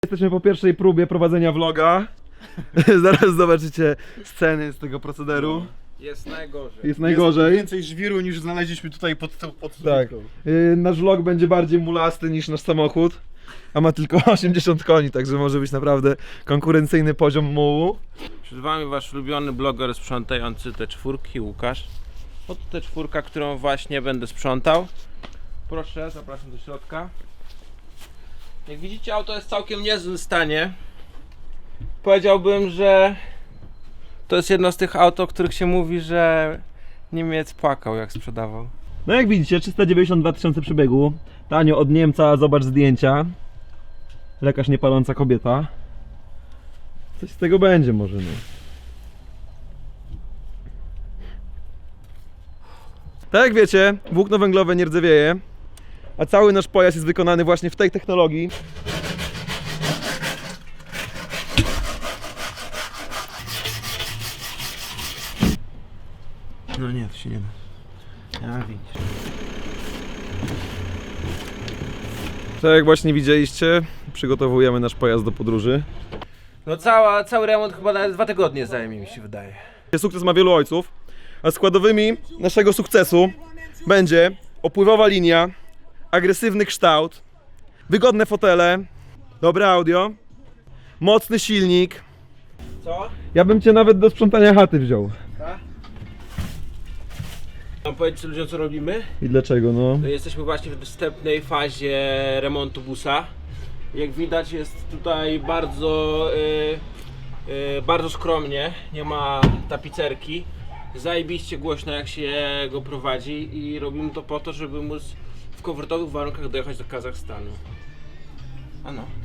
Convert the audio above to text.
Jesteśmy po pierwszej próbie prowadzenia vloga. Zaraz zobaczycie sceny z tego procederu. Jest najgorzej. Jest najgorzej. Więcej żwiru niż znaleźliśmy tutaj pod Tak. Nasz vlog będzie bardziej mulasty niż nasz samochód. A ma tylko 80 koni, także może być naprawdę konkurencyjny poziom mułu. Przed wami wasz ulubiony bloger sprzątający te czwórki, Łukasz. Oto ta czwórka, którą właśnie będę sprzątał. Proszę, zapraszam do środka. Jak widzicie, auto jest w całkiem niezłym stanie. Powiedziałbym, że to jest jedno z tych aut, o których się mówi, że Niemiec płakał jak sprzedawał. No jak widzicie, 392 tysiące przebiegu. Tanio od Niemca, zobacz zdjęcia. Lekarz niepaląca kobieta. Coś z tego będzie może, no. Tak jak wiecie, włókno węglowe nie rdzewieje, a cały nasz pojazd jest wykonany właśnie w tej technologii. No nie, to się nie da. Ja widzisz. Tak jak właśnie widzieliście, przygotowujemy nasz pojazd do podróży. No cały remont chyba nawet 2 tygodnie zajmie, mi się wydaje. Sukces ma wielu ojców, a składowymi naszego sukcesu będzie opływowa linia, agresywny kształt, wygodne fotele, dobre audio, mocny silnik. Co? Ja bym cię nawet do sprzątania chaty wziął. Mam powiedzieć ludziom, co robimy? I dlaczego, no? No, jesteśmy właśnie w wstępnej fazie remontu busa. Jak widać, jest tutaj bardzo skromnie, nie ma tapicerki. Zajebiście głośno, jak się go prowadzi, i robimy to po to, żeby móc w komfortowych warunkach dojechać do Kazachstanu. Ano.